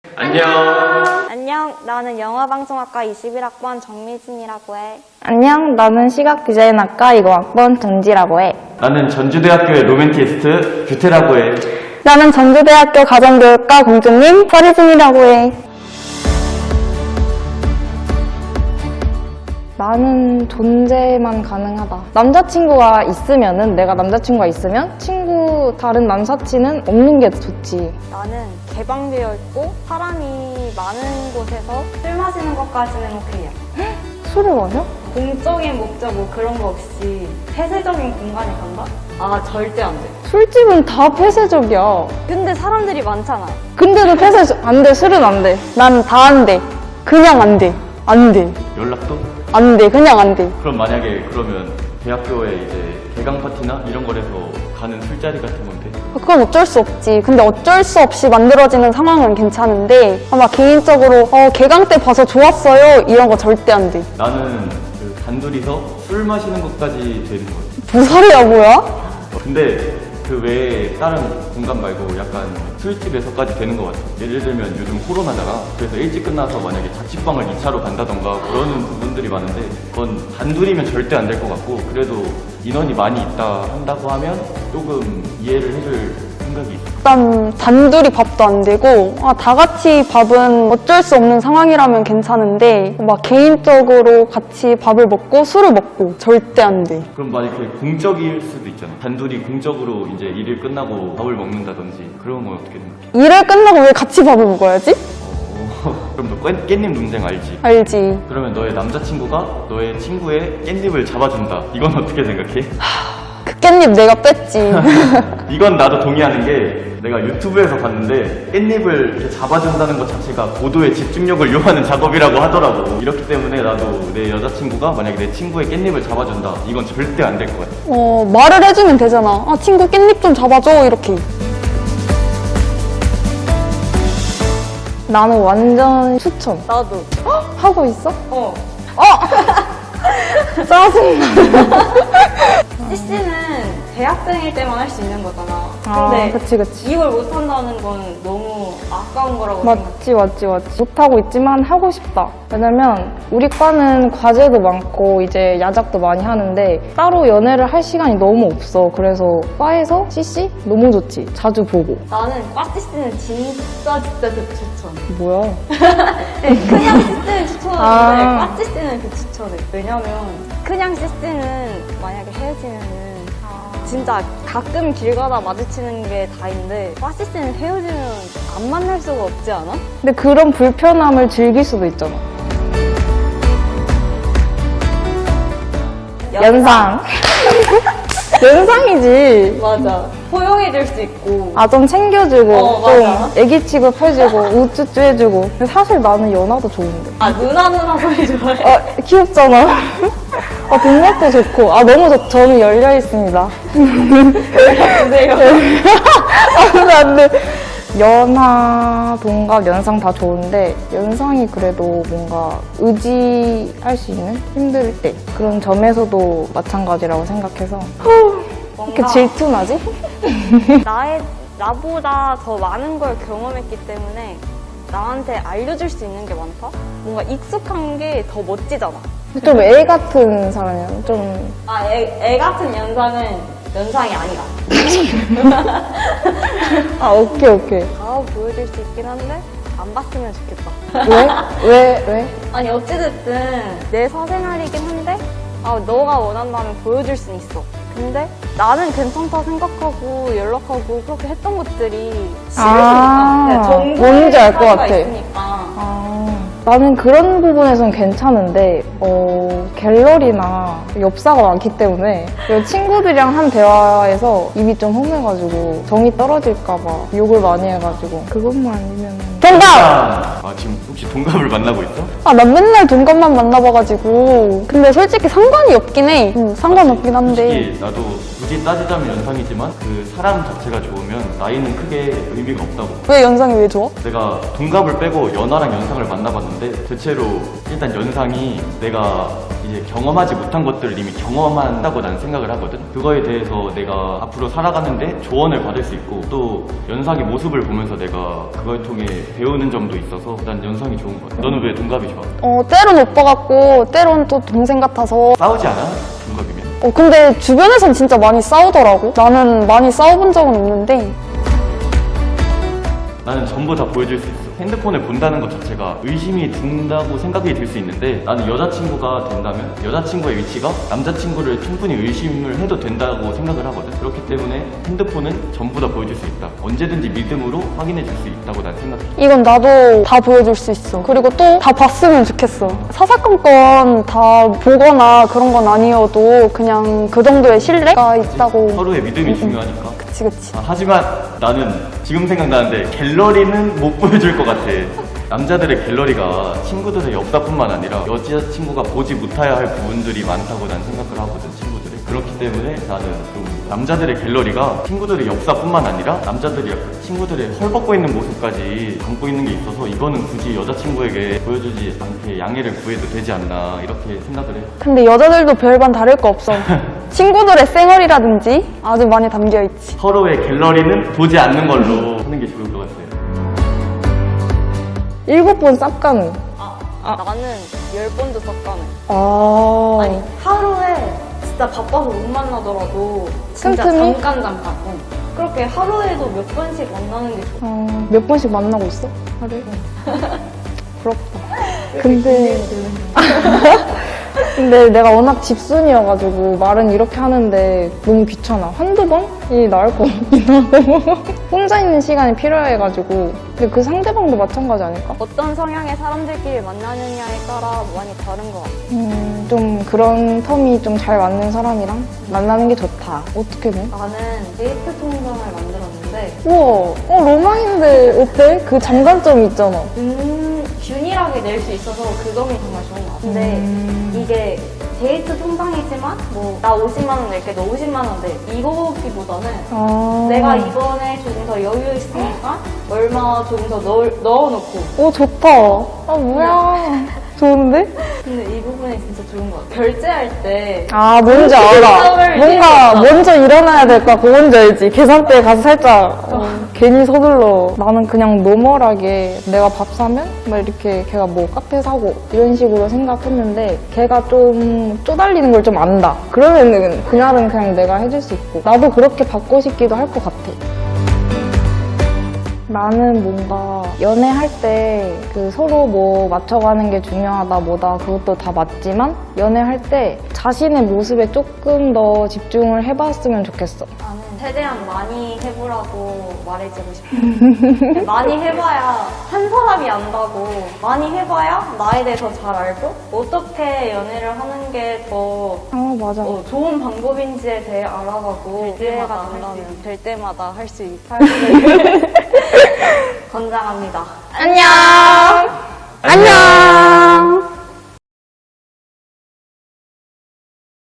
안녕. 안녕, 나는 영화방송학과 21학번 정미진이라고 해. 안녕, 나는 시각디자인학과 20학번 전지라고 해. 나는 전주대학교의 로맨티스트 규태라고 해. 나는 전주대학교 가정교육과 공주님 서리진이라고 해. 나는 존재만 가능하다. 남자친구가 있으면은, 내가 남자친구가 있으면 다른 남사친은 없는 게 좋지. 나는 개방되어 있고 사람이 많은 곳에서 술 마시는 것까지는 오케이야. 술을 마셔? 공적인 목적 뭐 그런 거 없이 폐쇄적인 공간에 간다? 아, 절대 안 돼. 술집은 다 폐쇄적이야. 근데 사람들이 많잖아. 근데도 안 돼, 술은 안 돼. 난 다 안 돼. 그냥 안 돼. 안 돼. 연락도? 안 돼. 그냥 안 돼. 그럼 만약에 그러면 대학교에 이제 개강 파티나 이런 거에서 가는 술자리 같은 건데 그건 어쩔 수 없지. 근데 어쩔 수 없이 만들어지는 상황은 괜찮은데 아마 개인적으로 개강 때 봐서 좋았어요 이런 거 절대 안 돼. 나는 그 단둘이서 술 마시는 것까지 되는 거야. 무사리야 뭐야? 근데 그 외에 다른 공간 말고 약간 술집에서까지 되는 것 같아. 예를 들면 요즘 코로나잖아. 그래서 일찍 끝나서 만약에 자취방을 2차로 간다던가 그러는 부분들이 많은데 그건 단둘이면 절대 안 될 것 같고 그래도 인원이 많이 있다 한다고 하면 조금 이해를 해줄 생각이 있어. 일단 단둘이 밥도 안 되고 다 같이 밥은 어쩔 수 없는 상황이라면 괜찮은데 막 개인적으로 같이 밥을 먹고 술을 먹고 절대 안 돼. 그럼 만약에 공적일 수도 있잖아. 단둘이 공적으로 이제 일을 끝나고 밥을 먹는다든지 그런 건 어떻게 생각해? 일을 끝나고 왜 같이 밥을 먹어야지? 그럼 너 깻잎 논쟁 알지? 알지. 그러면 너의 남자친구가 너의 친구의 깻잎을 잡아준다. 이건 어떻게 생각해? 그 깻잎 내가 뺐지. 이건 나도 동의하는 게 내가 유튜브에서 봤는데 깻잎을 이렇게 잡아준다는 것 자체가 고도의 집중력을 요하는 작업이라고 하더라고. 이렇기 때문에 나도 내 여자친구가 만약에 내 친구의 깻잎을 잡아준다. 이건 절대 안 될 것 같아. 말을 해주면 되잖아. 친구 깻잎 좀 잡아줘 이렇게. 나는 완전 추천. 나도. 하고 있어? 어. 짜증나. CC는 대학생일 때만 할 수 있는 거잖아. 아, 근데 그치. 이걸 못한다는 건 너무 아까운 거라고 생각해. 맞지. 못하고 있지만 하고 싶다. 왜냐면 우리 과는 과제도 많고 이제 야작도 많이 하는데 따로 연애를 할 시간이 너무 없어. 그래서 과에서 CC 너무 좋지. 자주 보고. 나는 과 CC는 진짜 추천. 뭐야? 그냥 CC는 추천하는데 아. 과 CC는 추천해. 왜냐면 그냥 CC는 만약에 헤어지면은 진짜 가끔 길 가다 마주치는 게 다인데 과 CC는 헤어지면 안 만날 수가 없지 않아? 근데 그런 불편함을 즐길 수도 있잖아. 연상. 연상이지. 맞아. 포용해줄 수 있고. 좀 챙겨주고, 맞아. 좀 애기 취급해주고, 우쭈쭈 해주고. 근데 사실 나는 연하도 좋은데. 누나 소리 좋아해. 귀엽잖아. 동력도 좋고. 너무 저는 열려있습니다. 주세요. 안 돼. 연하, 동갑, 연상 다 좋은데 연상이 그래도 뭔가 의지할 수 있는 힘들 때 그런 점에서도 마찬가지라고 생각해서 이렇게 질투나지? 나보다 더 많은 걸 경험했기 때문에 나한테 알려줄 수 있는 게 많다? 뭔가 익숙한 게 더 멋지잖아. 좀 애 같은 사람이야. 좀 애 같은 연상이 아니다. 오케이. 다 보여줄 수 있긴 한데 안 봤으면 좋겠다. 왜? 아니 어찌됐든 내 사생활이긴 한데 너가 원한다면 보여줄 순 있어. 근데 나는 괜찮다 생각하고 연락하고 그렇게 했던 것들이 싫으니까 뭔지 알 것 같아. 있으니까. 나는 그런 부분에선 괜찮은데 갤러리나 엽사가 많기 때문에 친구들이랑 한 대화에서 입이 좀 험해가지고 정이 떨어질까봐 욕을 많이 해가지고 그것만 아니면 동갑! 지금 혹시 동갑을 만나고 있어? 난 맨날 동갑만 만나봐가지고 근데 솔직히 상관이 없긴 해. 상관없긴 한데 솔직히 나도 굳이 따지자면 연상이지만 그 사람 자체가 좋으면 나이는 크게 의미가 없다고. 왜 연상이 왜 좋아? 내가 동갑을 빼고 연하랑 연상을 만나봤는데 대체로 일단 연상이 내가 이제 경험하지 못한 것들을 이미 경험한다고 난 생각을 하거든. 그거에 대해서 내가 앞으로 살아가는데 조언을 받을 수 있고 또 연상의 모습을 보면서 내가 그걸 통해 배우는 점도 있어서 난 연상이 좋은 것 같아. 너는 왜 동갑이 좋아? 때론 오빠 같고 때론 또 동생 같아서. 싸우지 않아? 동갑이면? 근데 주변에선 진짜 많이 싸우더라고. 나는 많이 싸워본 적은 없는데. 나는 전부 다 보여줄 수 있어. 핸드폰을 본다는 것 자체가 의심이 든다고 생각이 들 수 있는데 나는 여자친구가 된다면 여자친구의 위치가 남자친구를 충분히 의심을 해도 된다고 생각을 하거든. 그렇기 때문에 핸드폰은 전부 다 보여줄 수 있다. 언제든지 믿음으로 확인해 줄 수 있다고 난 생각해. 이건 나도 다 보여줄 수 있어. 그리고 또 다 봤으면 좋겠어. 사사건건 다 보거나 그런 건 아니어도 그냥 그 정도의 신뢰가 있다고. 서로의 믿음이 중요하니까. 그치, 그치. 하지만 나는 지금 생각나는데 갤러리는 못 보여줄 것 같아. 남자들의 갤러리가 친구들의 역사뿐만 아니라 여자친구가 보지 못해야 할 부분들이 많다고 난 생각을 하거든, 친구들이. 그렇기 때문에 나는 좀 남자들의 갤러리가 친구들의 역사뿐만 아니라 남자들이 약간 친구들의 헐벗고 있는 모습까지 담고 있는 게 있어서 이거는 굳이 여자친구에게 보여주지 않게 양해를 구해도 되지 않나 이렇게 생각을 해. 근데 여자들도 별반 다를 거 없어. 친구들의 쌩얼이라든지 아주 많이 담겨있지. 서로의 갤러리는 보지 않는 걸로 하는 게 좋을 것 같아요. 7번 쌉 가능. 나는 10번도 섞가는. 아니, 하루에 진짜 바빠서 못 만나더라도 진짜 틈틈이? 잠깐. 그렇게 하루에도 몇 번씩 만나는 게 좋아. 몇 번씩 만나고 있어? 하루에? 부럽다. 근데 내가 워낙 집순이어가지고 말은 이렇게 하는데 너무 귀찮아. 한두 번이 나을 것 같긴 하고. 혼자 있는 시간이 필요해가지고. 근데 그 상대방도 마찬가지 아닐까? 어떤 성향의 사람들끼리 만나느냐에 따라 많이 다른 것 같아. 좀 그런 텀이 좀 잘 맞는 사람이랑 만나는 게 좋다. 어떻게 돼? 나는 데이트 통장을 만들었는데 우와, 로망인데 어때? 그 장단점이 있잖아. 균일하게 낼 수 있어서 그 점이 정말 좋은 것 같아. 근데 이게 데이트 통장이지만 뭐 나 50만 원 낼게, 너 50만 원 내. 이거보다는 내가 이번에 조금 더 여유 있으니까 얼마 조금 더 넣어놓고. 오, 좋다. 뭐야. 좋은데? 근데 이 부분이 진짜 좋은 것 같아. 결제할 때 뭔지 알아. 결정을 뭔가 내렸어. 먼저 일어나야 될 것 같고, 뭔지 알지? 계산대에 가서 살짝 괜히 서둘러. 나는 그냥 노멀하게 내가 밥 사면 막 이렇게 걔가 뭐 카페 사고 이런 식으로 생각했는데 걔가 좀 쪼달리는 걸 좀 안다. 그러면은 그날은 그냥 내가 해줄 수 있고. 나도 그렇게 받고 싶기도 할 것 같아. 나는 뭔가 연애할 때 그 서로 뭐 맞춰가는 게 중요하다 뭐다 그것도 다 맞지만 연애할 때 자신의 모습에 조금 더 집중을 해봤으면 좋겠어. 나는 최대한 많이 해보라고 말해주고 싶어. 많이 해봐야 한 사람이 안다고. 많이 해봐야 나에 대해서 잘 알고 어떻게 연애를 하는 게 더 맞아. 좋은 방법인지에 대해 알아가고 될 때마다 할 수 있게 권장합니다. 안녕!